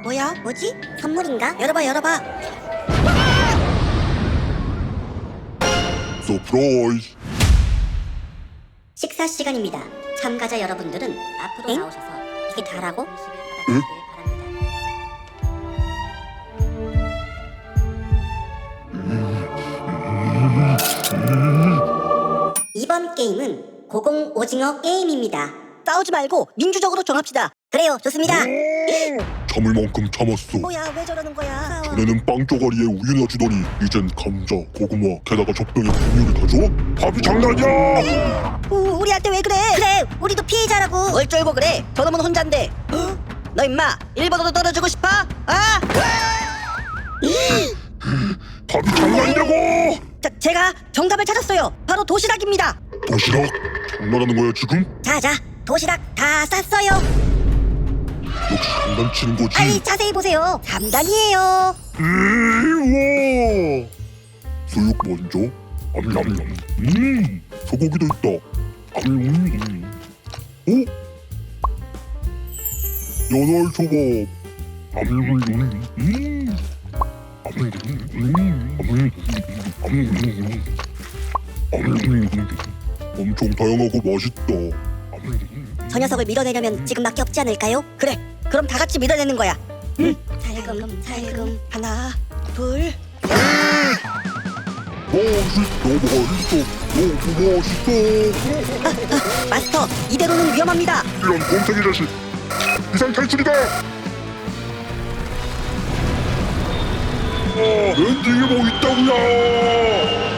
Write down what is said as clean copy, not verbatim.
뭐야? 뭐지? 선물인가? 열어봐 열어봐. 서프라이즈. 식사 시간입니다. 참가자 여러분들은 앞으로 엥? 나오셔서 이게 다라고? 응? 이번 게임은 고공 오징어 게임입니다. 싸우지 말고 민주적으로 정합시다. 그래요, 좋습니다. 참을 만큼 참았어. 뭐야, 왜 저러는 거야? 전에는 빵 쪼가리에 우유나 주더니 이젠 감자, 고구마, 게다가 젖병에 분유를 다 줘? 밥이 장난이야! 우리한테 왜 그래? 그래, 우리도 피해자라고. 뭘 쫄고 그래? 저놈은 혼잔데. 너 임마 1번으로 떨어지고 싶어? 아! 밥이 장난이냐고! 제가 정답을 찾았어요. 바로 도시락입니다. 도시락? 장난하는 거야 지금? 자자, 도시락 다 쌌어요. 역시 장난치는 거지. 아이, 자세히 보세요. 3단이에요. 우와! 수육 먼저. 암냠냠. 소고기도 있다. 어? 연어 초밥. 엄청 다양하고 맛있다. 저 녀석을 밀어내려면 지금밖에 없지 않을까요? 그래, 그럼 다 같이 밀어내는 거야. 살금. 하나, 둘. 맛있어. 너무 맛있어. 마스터, 이대로는 위험합니다. 이런 곰탱이 자식. 이상 탈출이다. 렌딩이 뭐 있다고요?